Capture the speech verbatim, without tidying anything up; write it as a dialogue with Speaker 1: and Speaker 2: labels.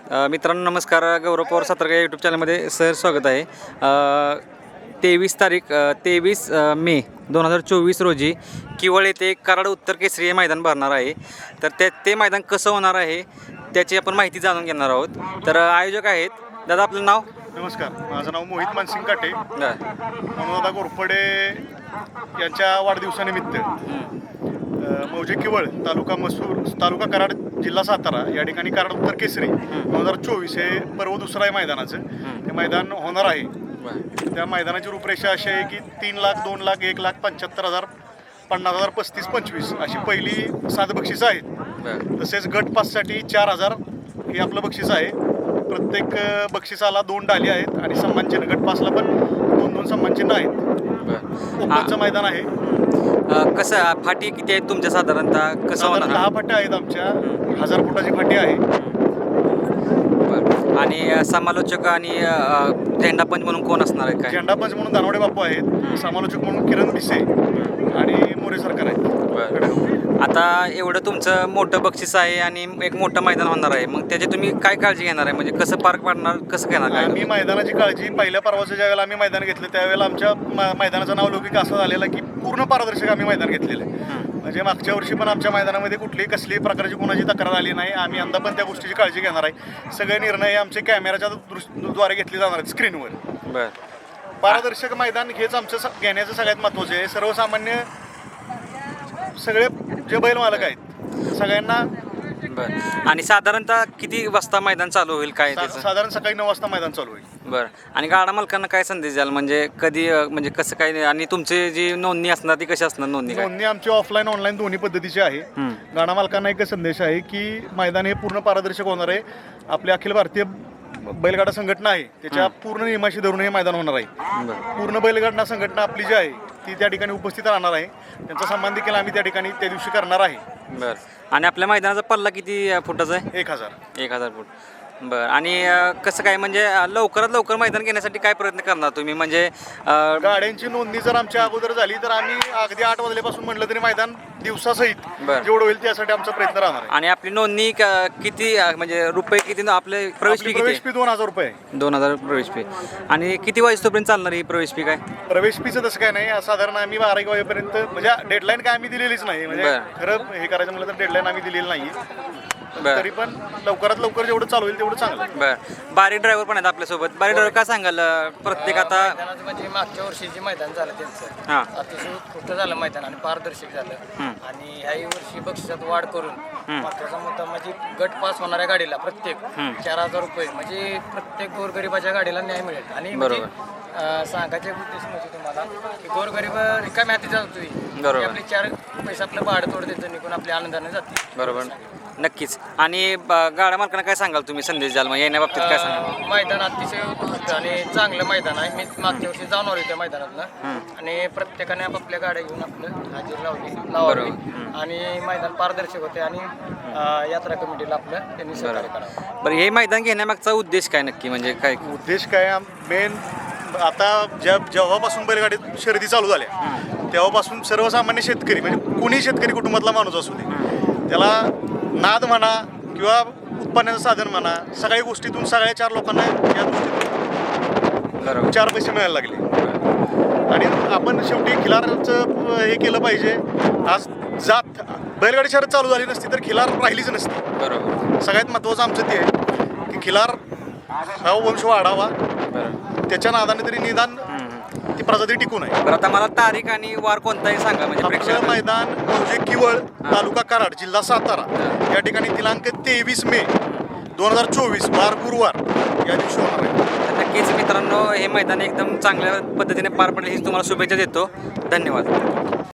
Speaker 1: अ, मित्रांनो नमस्कार. गौरव पवार सातारकर यूट्यूब चॅनलमध्ये सर स्वागत आहे. तेवीस तारीख तेवीस मे दोन हजार चोवीस रोजी किवळ येथे कराड उत्तर केसरी हे मैदान भरणार आहे. तर ते ते मैदान कसं होणार आहे त्याची आपण माहिती जाणून घेणार आहोत. तर आयोजक आहेत दादा, आपलं नाव?
Speaker 2: नमस्कार, माझं नाव मोहित मानसिंग काटे.
Speaker 1: बरं.
Speaker 2: मनोदादा घोरपडे यांच्या वाढदिवसानिमित्त अ, मौजे किवळ तालुका मसूर तालुका कराड जिल्हा सातारा या ठिकाणी कराड उत्तर केसरी दोन हजार चोवीस हे पर्व दुसरं आहे मैदानाचं. ते मैदान होणार आहे. त्या मैदानाची रूपरेषा अशी आहे की तीन लाख दोन लाख एक लाख पंच्याहत्तर हजार पन्नास हजार पस्तीस पंचवीस अशी पहिली सात बक्षिसं आहेत. तसेच गट पाससाठी चार हजार हे आपलं बक्षीस आहे. प्रत्येक बक्षिसाला दोन डाली आहेत आणि सन्मानचिन्ह. गट पासला पण दोन दोन सन्मानचिन्ह आहेत. ओपनचं मैदान आहे.
Speaker 1: कसं फाटी किती आहेत तुमच्या साधारणतः? कसं होणार?
Speaker 2: दहा फाट्या आहेत आमच्या. हजार फुटाची फाटी आहे.
Speaker 1: आणि समालोचक आणि झेंडापंच म्हणून कोण असणार आहे? काय
Speaker 2: झेंडापंच म्हणून दानवडे बापू आहेत. समालोचक म्हणून किरण भिसे आणि मोरे सरकार आहेत.
Speaker 1: आता एवढं तुमचं मोठं बक्षीस आहे आणि एक मोठं मैदान होणार आहे, मग त्याची तुम्ही काय काळजी घेणार आहे? म्हणजे कसं पार्क पाडणार, कसं घेणार? काय
Speaker 2: आम्ही मैदानाची काळजी पहिल्या पर्वाचं ज्या वेळेला आम्ही मैदान घेतलं त्यावेळेला आमच्या मैदानाचं नाव लौकिक असं झालेलं की पूर्ण पारदर्शक आम्ही मैदान घेतलेलं आहे. म्हणजे मागच्या वर्षी पण आमच्या मैदानामध्ये कुठलीही कसलीही प्रकारची कोणाची तक्रार आली नाही. आम्ही यंदा पण त्या गोष्टीची काळजी घेणार आहे. सगळे निर्णय आमचे कॅमेऱ्याच्या द्वारे घेतले जाणार आहेत स्क्रीनवर.
Speaker 1: बरं.
Speaker 2: पारदर्शक मैदान हेच आमचं घेण्याचं सगळ्यात महत्त्वाचं आहे. सर्वसामान्य सगळे जे बैल मालक आहेत सगळ्यांना.
Speaker 1: बरं. आणि साधारणतः किती वाजता मैदान चालू होईल? काय त्याचं?
Speaker 2: साधारण सकाळी नऊ वाजता मैदान चालू होईल.
Speaker 1: बरं. आणि गाडा मालकांना काय संदेश द्याल? म्हणजे कधी, म्हणजे कसं काय? आणि तुमची जी नोंदणी असणार ती कशी असणार? नोंदणी काय?
Speaker 2: नोंदणी आमची ऑफलाईन ऑनलाईन दोन्ही पद्धतीची आहे. गाडा मालकांना एक संदेश आहे की मैदान हे पूर्ण पारदर्शक होणार आहे. आपली अखिल भारतीय बैलगाडा संघटना आहे त्याच्या पूर्ण नियमाशी धरून हे मैदान होणार आहे. पूर्ण बैलगाडा संघटना आपली जी आहे ती त्या ठिकाणी उपस्थित राहणार आहे. त्यांचा सन्मान देखील आम्ही त्या ठिकाणी त्या दिवशी करणार आहे.
Speaker 1: बरं. आणि आपल्या मैदानाचा पल्ला किती फुटाचा आहे?
Speaker 2: एक हजार
Speaker 1: एक हजार फूट. बरं. आणि कसं काय, म्हणजे लवकरात लवकर मैदान घेण्यासाठी काय प्रयत्न करणार तुम्ही? म्हणजे
Speaker 2: गाड्यांची नोंदणी जर आमच्या अगोदर झाली तर आम्ही अगदी आठ वाजल्यापासून म्हटलं तरी मैदान दिवसासहित जेवढं होईल त्यासाठी आमचा प्रयत्न राहणार आहे.
Speaker 1: आणि आपली नोंदणी किती, म्हणजे रुपये किती? आपले प्रवेश फी
Speaker 2: प्रवेश फी दोन हजार रुपये
Speaker 1: दोन हजार प्रवेश फी. आणि किती वाजेपर्यंत चालणार ही प्रवेश फी? काय
Speaker 2: प्रवेश फीचं तसं काय नाही. साधारण आम्ही बारा एक वाजेपर्यंत, म्हणजे डेडलाईन काय आम्ही दिलेलीच नाही. म्हणजे खरं हे करायचं म्हटलं तर डेडलाईन आम्ही दिलेली नाही. तरी पण लवकरात लवकर जेवढं चालू होईल तेवढं चांगलं.
Speaker 1: बरं. बारी ड्रायव्हर पण आहेत आपल्यासोबत. बारी ड्रायव्हर काय सांगाल? प्रत्येक आता
Speaker 3: म्हणजे मागच्या वर्षी जे मैदान झालं त्यांचं
Speaker 1: हां
Speaker 3: अतिशय उत्कृष्ट झालं मैदान आणि पारदर्शक झालं. आणि ह्याही वर्षी बक्षिसात वाढ करून महत्वाचा मुद्दा म्हणजे गट पास होणाऱ्या गाडीला प्रत्येक चार हजार रुपये म्हणजे प्रत्येक गोरगरिबाच्या गाडीला न्याय मिळेल. आणि
Speaker 1: बरोबर.
Speaker 3: सांगायचे उद्देश म्हणजे तुम्हाला की गोरगरीब रिकाम्या हाती जातोय.
Speaker 1: बरोबर.
Speaker 3: आपले चार पैसे आपलं भाडं तोड देतो निघून आपल्या आनंदाने जाते.
Speaker 1: बरोबर. नक्कीच. आणि गाड्या मालकांना काय सांगाल तुम्ही संदेश द्याल मग येण्या बाबतीत? काय सांगाल?
Speaker 3: मैदान अतिशय उत्कृष्ट आणि चांगलं मैदान आहे. मी मागच्या वर्षी जाऊन आलो त्या मैदानातनं आणि प्रत्येकाने आपापल्या गाड्या घेऊन आपलं हजेरी लावली लावावी आणि मैदान पारदर्शक होते आणि यात्रा कमिटीला आपलं त्यांनी सहकार्य करावं.
Speaker 1: बरं. हे मैदान घेण्यामागचा उद्देश काय नक्की? म्हणजे काय
Speaker 2: उद्देश काय? मेन आता ज्या जेव्हापासून बैलगाडी शर्यती चालू झाल्या तेव्हापासून सर्वसामान्य शेतकरी, म्हणजे कोणी शेतकरी कुटुंबातला माणूस असू दे, त्याला नाद म्हणा किंवा उत्पन्नाचं साधन म्हणा, सगळ्या गोष्टीतून सगळ्या चार लोकांना या गोष्टीतून चार पैसे मिळायला लागले. आणि आपण शेवटी खिलारचं हे केलं पाहिजे. आज जात बैलगाडी शर्यत चालू झाली नसती तर खिलार राहिलीच नसती.
Speaker 1: बरोबर.
Speaker 2: सगळ्यात महत्त्वाचं आमचं ते आहे की खिलार हा वंश वाढावा. त्याच्या नादाने तरी निदान ती प्रजाती टिकून आहे.
Speaker 1: बरं. आता मला तारीख आणि वार कोणताही सांगा. म्हणजे
Speaker 2: आपलं मैदान मौजे किवळ तालुका कराड जिल्हा सातारा या ठिकाणी दिनांक तेवीस मे दोन हजार चोवीस वार गुरुवार या दिवशी होणार आहे.
Speaker 1: नक्कीच मित्रांनो, हे मैदान एकदम चांगल्या पद्धतीने पार पडेल ही तुम्हाला शुभेच्छा देतो. धन्यवाद.